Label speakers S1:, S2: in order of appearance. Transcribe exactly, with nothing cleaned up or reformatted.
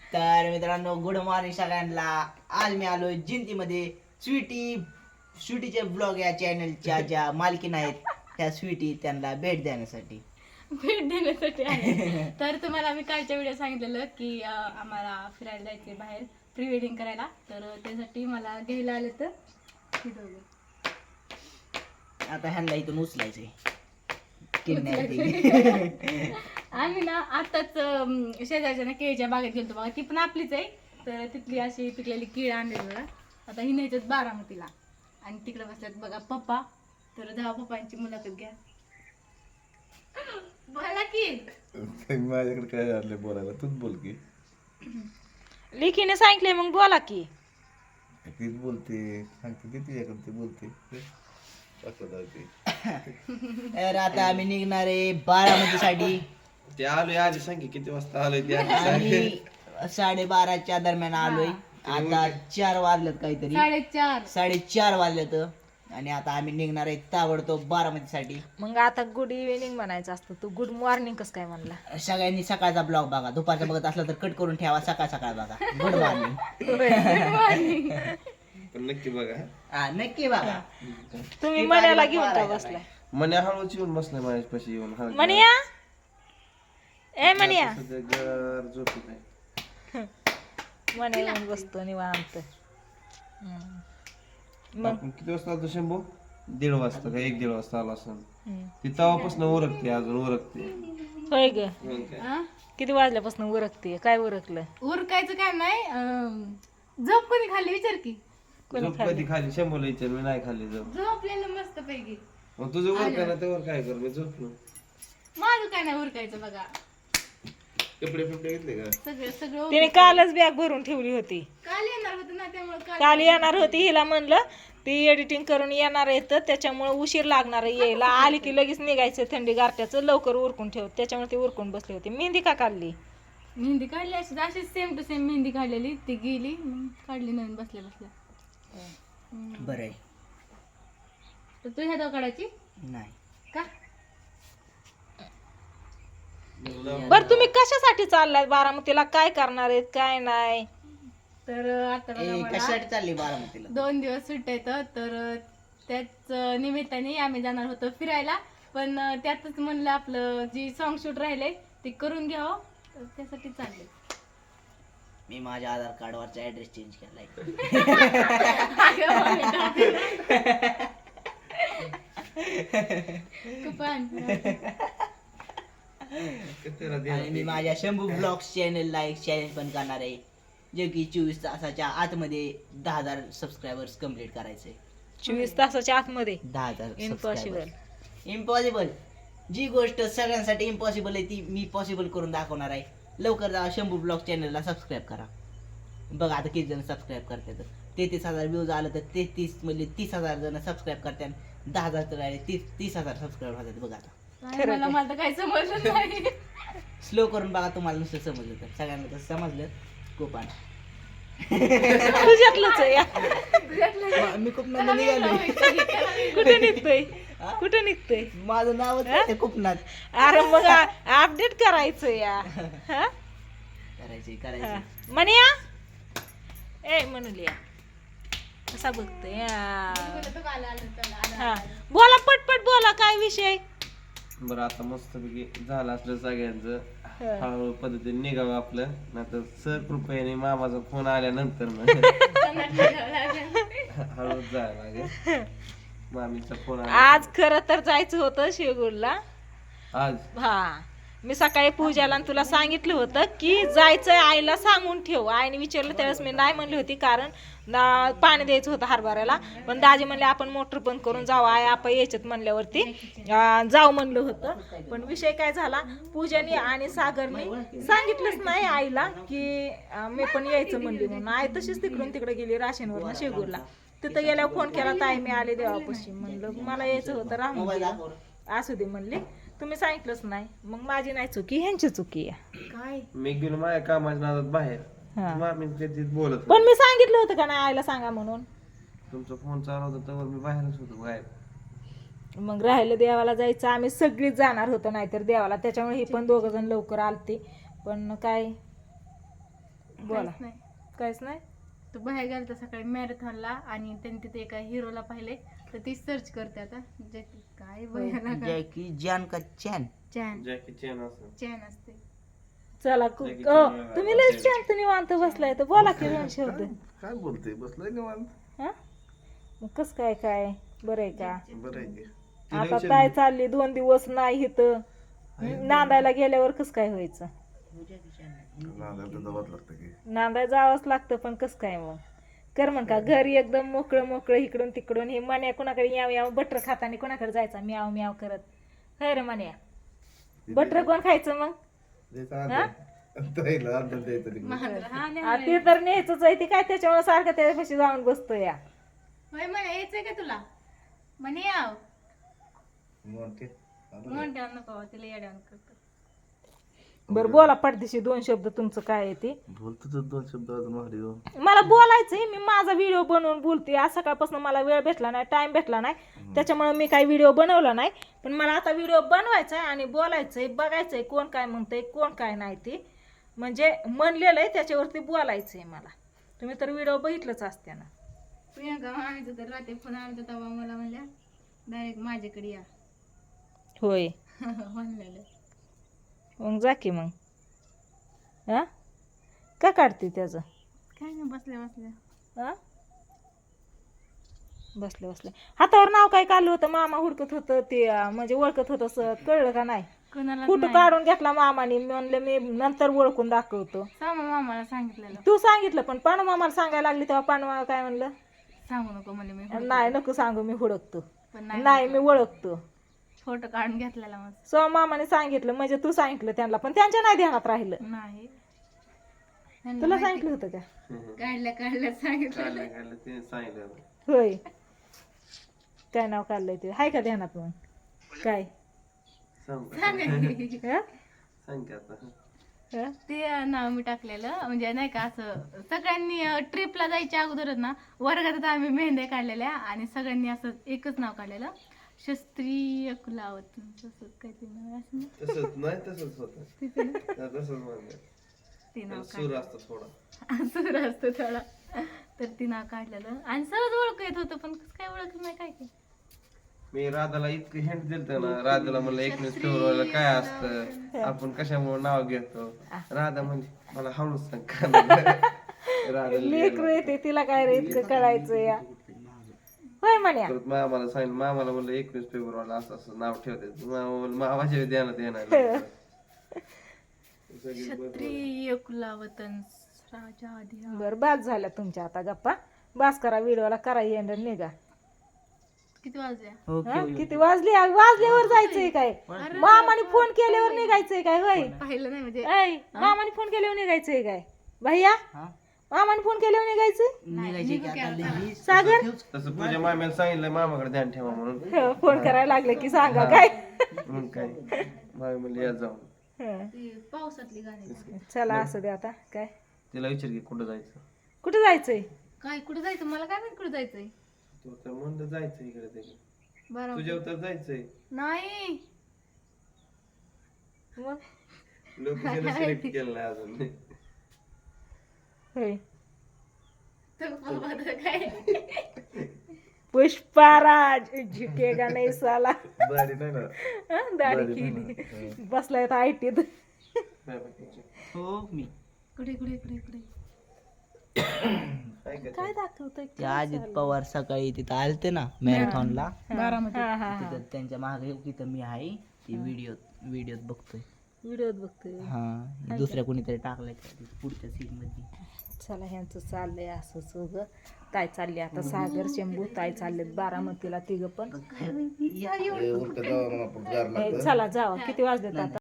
S1: तर मित्रांनो good morning सगळ्यांना. आज मी आलोय जिंतीमध्ये स्वीटी स्वीटीचे ब्लॉग या चॅनलच्या ज्या मालकीन आहेत त्या स्वीटी त्यांना भेट देण्यासाठी
S2: भेट देण्यासाठी आहे. तर तुम्हाला मी कालच्या व्हिडिओ सांगितलेलं की अं, आम्हाला फिरायला जायचे बाहेर प्री वेडिंग करायला. तर त्यासाठी मला घ्यायला आले तर हे दोघं.
S1: आता ह्यांना इथून उचलायचंय किडनॅप.
S2: आम्ही ना आताच अं, शेजारच्या ना केळीच्या बागेत गेलतो बघा. ती पण आपलीच आहे. तर तिथली अशी पिकलेली केळ आणली बघा. आता ही न्यायच्यात बारामतीला आणि तिकडे बसल्यात बघा पप्पा. तर जावा पप्पांची मुलाखत घ्या. बोला की
S3: माझ्याकडे काय झालं बोलायला, तूच बोल की.
S4: लिखीने सांगितले मग बोला की.
S3: तीच बोलते, सांगते ती तुझ्याकडे, ती बोलते असं जाते.
S1: तर आता आम्ही निघणार आहे बारामती साठी.
S3: ते आलोय आधी सांग की किती वाजता आलोय ते आधी सांग.
S1: आम्ही साडेबाराच्या दरम्यान आलोय. आता चार वाजलेत काहीतरी,
S2: साडेचार
S1: साडेचार वाजलेत आणि आता आम्ही निघणार आहे ताबडतोब बारामती साठी.
S4: मग आता गुड इव्हिनिंग म्हणायचं असतं, तू गुड मॉर्निंग कस काय म्हणला?
S1: सगळ्यांनी सकाळचा ब्लॉग बघा, दुपारचा बघत असला तर कट करून ठेवा, सकाळ सकाळ बघा. Good morning.
S3: पण नक्की बघा.
S1: हा नक्की बघा.
S4: तुम्ही मण्याला घेऊन का बसलाय?
S3: मने हळूच येऊन बसलाय माझ्यापाशी येऊन. हळू
S4: मनिया ए मनिया
S3: सध्या घर झोपी नाही.
S4: मण्या येऊन बसतो निवांत. हम्म. मग
S3: आपण किती वाजता आलतो शंभू? दीड वाजता का एक दीड वाजता आला असं.
S4: हम्म.
S3: ती तेव्हापासून उरकते, अजून उरकते.
S4: होय ग,
S3: मग काय?
S2: हा?
S4: किती वाजल्यापासून उरकते? काय उरकलं?
S2: उरकायचं काय नाही. अं, झोप कधी खाल्ली विचार की.
S3: झोप कधी खाली? शंभूला विचार, मी नाही खाल्ली झोप.
S2: झोपलेलं मस्त पैकी.
S3: मग तुझं वर काय ना त्यावर काय कर, मी झोपलो.
S2: माझं काय नाही उरकायचं बघा.
S3: कपडे फिपडे घेतले का?
S2: सगळं सगळं
S4: तिने कालच बॅग भरून ठेवली होती.
S2: काल येणार होतं ना त्यामुळे काल
S4: काल येणार होती, हिला म्हणलं ती एडिटिंग करून येणार आहे तर त्याच्यामुळे उशीर लागणार आहे यायला. आली की लगेच निघायचं थंडी गारट्याचं, लवकर उरकून ठेव. त्याच्यामुळे ती उरकून बसली होती. मेहंदी का काढली?
S2: मेहंदी काढली अशी अशीच सेम टू सेम मेहंदी काढलेली. ती गेली मग काढली नवीन बसल्या बसल्या.
S1: बरं आहे.
S2: तर तू ह्या काढायची
S1: नाही
S2: का?
S4: बर तुम्ही कशासाठी चाललाय बारामतीला? काय करणार आहेत काय नाही?
S2: तर आता बघा
S1: ए,
S2: मला
S1: कशासाठी चालली बारामतीला?
S2: दोन दिवस सुट्ट्या येतं. तर त्याच निमित्ताने आम्ही जाणार होतो फिरायला. पण त्यातच म्हणलं आपलं जी सॉन्ग शूट राहिले ते करून घ्यावं. तर त्यासाठी चालले.
S1: मी माझ्या आधार कार्डवरचा ऍड्रेस चेंज केलाय.
S2: कुपन
S3: कितीला दे?
S1: आणि मी माझ्या शंभू ब्लॉग्स चॅनलला एक चॅलेंज पण करणार आहे, जे की चोवीस तासाच्या आतमध्ये दहा हजार सबस्क्रायबर्स कम्प्लीट करायचे.
S4: चोवीस तासाच्या आतमध्ये?
S1: दहा हजार
S4: इम्पॉसिबल.
S1: इम्पॉसिबल. जी गोष्ट सगळ्यांसाठी इम्पॉसिबल आहे ती मी पॉसिबल करून दाखवणार आहे. लवकर जा शंभू ब्लॉग चॅनलला सबस्क्राईब करा. बघा आता किती जण सबस्क्राईब करतात. तेहतीस हजार व्ह्यूज आलं तर तेहतीस म्हणजे तीस हजार जण सबस्क्राईब करतात. दहा हजार तर आले तीस तीस हजार सबस्क्राईब होतात. बघा आता
S2: काय मला मला तर काही समजलं नाही.
S1: स्लो करून बघा, तुम्हाला नुसतं समजलं तर. सगळ्यांना कसं समजलं कोपान.
S4: तुझ्यातलंच आहे या.
S2: तुझ्यातलं
S1: मी खूप नंतर निघालो.
S4: कुठे निघतोय? कुठे निघतोय?
S1: माझं नावच आहे खूपनाथ.
S4: अरे मग अपडेट करायचं या. हा?
S1: करायची
S4: हा.
S1: करायची.
S4: मनिया ए म्हणूया कसा बघतोय या.
S2: तू आला आलं चला आलं
S4: हा बोला पटपट बोला, काय विषय?
S3: बरं आता मस्त पैकी झालं असलं सगळ्यांचं. हळूहळू पद्धतीने निघावं आपलं, नाहीतर सर कृपयाने मामाचा फोन आल्यानंतर मग हळूच जायला लागेल. मामीचा फोन आला
S4: आज खरं तर जायचं होतं शेगूरला.
S3: आज.
S4: हा मी सकाळी पूजाला आणि तुला सांगितलं होतं की जायचंय, आईला सांगून ठेव. आईने विचारलं त्यावेळेस मी नाही म्हणली होती, कारण ना पाणी द्यायचं होतं हरभऱ्याला. पण दाजी म्हणले आपण मोटर बंद करून जाऊ, आई आपण यायच्यात म्हणल्यावरती अं, जाऊ म्हणलं होतं. पण विषय काय झाला, पूजाने आणि सागरने सांगितलंच नाही आईला की अं, मी पण यायचं म्हणली म्हणून. आई तशीच तिकडून तिकडे गेली राशीनवरनं शेगूरला. तिथं गेल्यावर फोन केला, ताई मी आले देवापाशी. म्हणलं मला यायचं होतं, राहून गेलं. असू दे म्हणले, तुम्ही सांगितलंच नाही. मग माझी नाही चुकी, ह्यांची चुकी आहे.
S2: काय
S3: मी गेलो माझ्या कामाच्या नादात बाहेर.
S4: हा.
S3: मामी कधी बोलत
S4: पण मी सांगितलं होतं का नाही आईला सांगा म्हणून?
S3: तुमचा फोन चालू होता तेव्हा मी बाहेरच होतो बाहेर.
S4: मग राहिलं देवाला जायचं, आम्ही सगळीच जाणार होतो नाहीतर देवाला. त्याच्यामुळे हे पण दोघ जण लवकर आलते. पण काय बोला
S2: काहीच नाही.
S4: काहीच नाही.
S2: तो बाहेर गेला सकाळी मॅरेथॉनला आणि त्यांनी तिथे एका हिरोला पाहिले तर ती सर्च करते आता जॅकी काय भयानक
S1: जॅकी जॅन का चॅन
S2: चॅन
S3: जॅकी चॅन असं
S2: चॅन असते.
S4: चला कु-
S3: लगेच
S4: अ,
S3: निघाला.
S4: तुम्ही लय शांत निवांत बसलाय तर बोला की दोन शब्द.
S5: काय बोलते बसलाय निवांत.
S4: हा मग कस काय काय बरं आहे का?
S5: बरं आहे की.
S4: आता काय चालली दोन दिवस नाही इथं नांदायला गेल्यावर कस काय व्हायचं?
S5: नांदायला तर जावंच लागतं की.
S4: नांदायला जावंच लागतं पण कस काय मग कर म्हण का घरी एकदम मोकळं मोकळं इकडून तिकडून हे मन्या कोणाकडे याव याव बटर खाताना कोणाकडे जायचा म्याव म्याव करत. खै रे मन्या बटर कोण खायचं मग?
S5: द्यायचं अर्धा. ताईला अर्धा द्यायचं तिकडे.
S2: महागडं. हा नाही
S4: आ, ते तर न्यायचंच आहे ती काय त्याच्यामुळे सारखं त्याच्यापाशी जाऊन बसतो या.
S2: होय म्हणे यायचंय का तुला म्हणे याव
S5: मोठे.
S2: म्हणते नको तिला येड्यावर करतो.
S4: बरं बोला पडदिशी दोन शब्द तुमचं काय आहे ते.
S5: बोलतो तर दोन शब्द अजून भारी हो.
S4: मला बोलायचंय मी माझा व्हिडिओ बनवून बोलते. आज सकाळपासून मला वेळ भेटला नाही टाइम भेटला नाही त्याच्यामुळे मी काही व्हिडिओ बनवला नाही पण मला आता व्हिडिओ बनवायचा आहे आणि बोलायचंय बघायचंय कोण काय म्हणतंय कोण काय नाही ते म्हणजे म्हणलेलं आहे त्याच्यावरती बोलायचंय मला. तुम्ही तर व्हिडिओ बघितलंच असते ना.
S2: प्रियंका आणायचं तर रात्री फोन आला तेव्हा मला म्हणल्या डायरेक्ट माझ्याकडे या
S4: होय
S2: म्हणलेलं.
S4: मग जा की मग हा का काढते त्याचं
S2: काय नाही बसल्या बसल्या
S4: हा बसले बसले हातावर नाव काय काढलं होतं मामा हुडकत होतं ते अं, म्हणजे ओळखत होतं असं कळलं का नाही?
S2: कोणाला
S4: फोटो काढून घेतला मामाने मी म्हणलं मी नंतर ओळखून दाखवतो.
S2: सामा मामाला सांगितलेलं
S4: तू सांगितलं पण पानू मामाला सांगायला लागली तेव्हा पानू मामा काय म्हणलं
S2: सांगू नको म्हणजे मी हुडकते.
S4: नाही नको सांगू मी हुडकतो
S2: पण नाही
S4: नाही मी ओळखतो.
S2: फोटो काढून घेतलेला मग
S4: सो मामाने सांगितलं म्हणजे तू सांगितलं त्यांना पण त्यांच्या नाही ध्यानात राहिलं.
S2: नाही त्यांना
S4: तुला
S2: माहिती-
S4: सांगितलं होतं का?
S2: काढल्या काढल्या सांगितलं
S3: काढलं काढलं ते सांगितलं
S4: होय काय नाव काढलंय ते हाय का ध्यानात मग काय
S3: सांग
S2: सांगायची.
S4: हं?
S3: सांग की आता.
S4: हं?
S2: ते नाव मी टाकलेलं म्हणजे नाही का असं सगळ्यांनी ट्रिपला जायच्या अगोदरच ना वर्गात आम्ही मेहंद्या काढलेल्या आणि सगळ्यांनी असं एकच नाव काढलेलं शास्त्रीय कुलावत तसंच काहीतरी नाव आहे असं ना.
S3: तसंच नाही तसंच होतं
S2: तिथे ना
S3: हा, तसंच म्हणलं
S2: ते नाव
S3: सूर असतो थोडा
S2: काढ सूर असतो थोडा तर ती नाव काढलेलं आणि सहज ओळख येत होतं पण कसं काय ओळख नाही काय काय
S3: मी राधाला इतकं हिंट दिलत ना राधाला म्हणलं एकवीस फेब्रुवारीला काय असतं आपण कशामुळे नाव घेतो राधा म्हणजे मला हळूच सांग का राधा
S4: लेकरू येते तिला काय रे इतकं कळायचं या होय म्हण्या
S3: परत मामाला सांगितलं मामाला म्हणलं एकवीस फेब्रुवारीला असं असं नाव ठेवते मामा म्हणलं मामाच्या ध्यानात येणार
S2: क्षत्रिय कुलावतन राजा आधी
S4: बर बास झाल्या तुमच्या आता गप्पा बास करा व्हिडिओला करा येणार निघा.
S2: किती वाजल्या
S1: ओके
S4: हं? किती वाजली वाजल्यावर जायचंय काय मामाने फोन केल्यावर निघायचंय काय होय
S2: पाहिलं नाही म्हणजे
S4: ऐ, मामाने फोन केल्यावर निघायचंय काय भैया
S1: हा
S4: मामाने फोन केल्यावर निघायचंय
S1: निघायची की आता लई
S4: सागर
S3: तसं तुझ्या माम्याला सांगितलं मामाकडे ध्यान ठेवा म्हणून
S4: हो, फोन करायला लागले की सांगा काय
S3: मग काय मामी म्हणली या जाऊन
S4: हं.
S2: ती पावसातली गाणी
S4: चला असं दे आता काय
S3: तिला विचार की कुठं जायचं
S4: कुठे जायचंय
S2: काय कुठे जायचं मला काय माहित कुठे जायचंय
S3: तू तर म्हणलं जायचं इकडे तिकडे
S2: बरं
S3: तुझ्या तर जायचंय
S2: नाही
S4: मग
S3: लोकेशन सिलेक्ट केलं नाही अजून
S4: होय
S2: तर बाबा तर काय
S4: पुष्पाराज झुकेगा नाही साला
S5: दाढी नाही ना.
S4: हं, दाढी केली बसलाय आयटीत
S1: हो मी
S2: कुठे कुठे कुठे कुठे
S3: काय काय
S4: काय दाखवतोय
S1: ते अजित पवार सकाळी तिथं आलते ना मॅरेथॉनला
S2: बारामती
S4: हा हा
S1: तिथं त्यांच्या मागे तिथं मी आहे ती व्हिडिओ व्हिडिओत बघतोय.
S4: व्हिडिओत बघतोय.
S1: हा दुसऱ्या कोणीतरी टाकलाय का पुढच्या सीन मध्ये.
S4: चला ह्यांचं चाललंय असंच उगं ताई चालली आता सागर शंभू ताई चाललेत बारामतीला तिघं पण
S5: ए, उलटं जावं म्हणून आपण गार लागतं.
S4: चला जावा किती वाजलेत आता